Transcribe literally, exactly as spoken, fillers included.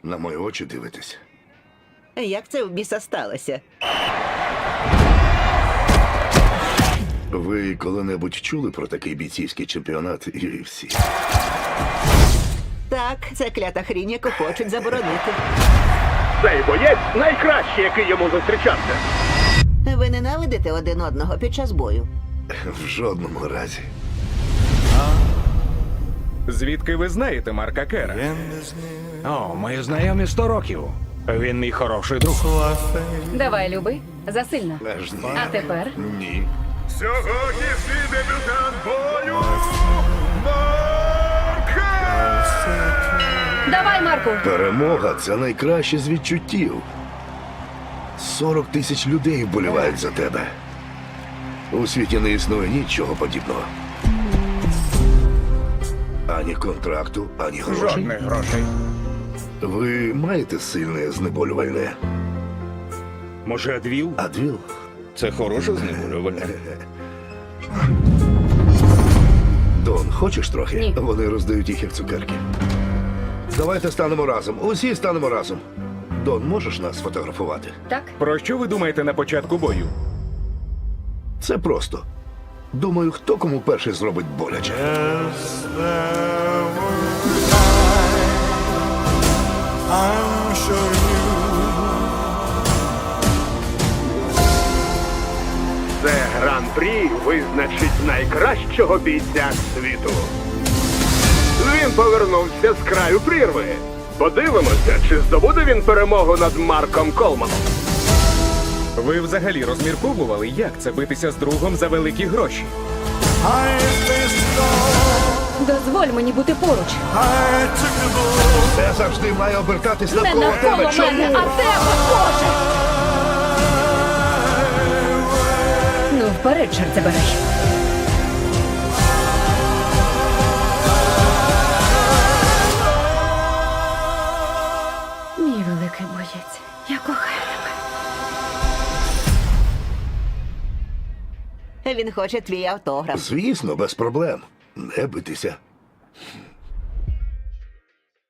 На мої очі дивитесь. Як це в біса сталося? Ви коли-небудь чули про такий бійцівський чемпіонат ю еф сі? Так, це клята хрінь, яку хочуть заборонити. Цей боєць найкращий, який йому зустрічався. Ви ненавидите один одного під час бою? В жодному разі. Звідки ви знаєте Марка Кера? О, ми знайомі сто років. Він мій хороший друг. Давай, люби, засильно. Аж ні. А тепер? Ні. Сьогоднішній дебютант бою Марка! Давай, Марку! Перемога – це найкраще з відчуттів. сорок тисяч людей вболівають за тебе. У світі не існує нічого подібного. Ані контракту, ані грошей. Жодних грошей. Ви маєте сильне знеболювальне? Може, Адвіл? Адвіл? Це хороше знеболювальне. Дон, хочеш трохи? Ні. Вони роздають їх як цукерки. Давайте станемо разом. Усі станемо разом. Дон, можеш нас фотографувати? Так? Про що ви думаєте на початку бою? Це просто. Думаю, хто кому перший зробить боляче. I'm sure you Це гран-прі визначить найкращого бійця світу. Він повернувся з краю прірви. Подивимося, чи здобуде він перемогу над Марком Колманом. Ви взагалі розмірковували, як це битися з другом за великі гроші? I faced it all. Дозволь мені бути поруч. I took the bull. Це завжди має обертатись Не навколо навколо тебе. мене, Чому? а тебе, Боже! Ну, вперед, чорт забирай. Мій великий боєць, я кохаю тебе. Він хоче твій автограф. Звісно, без проблем. Не битися.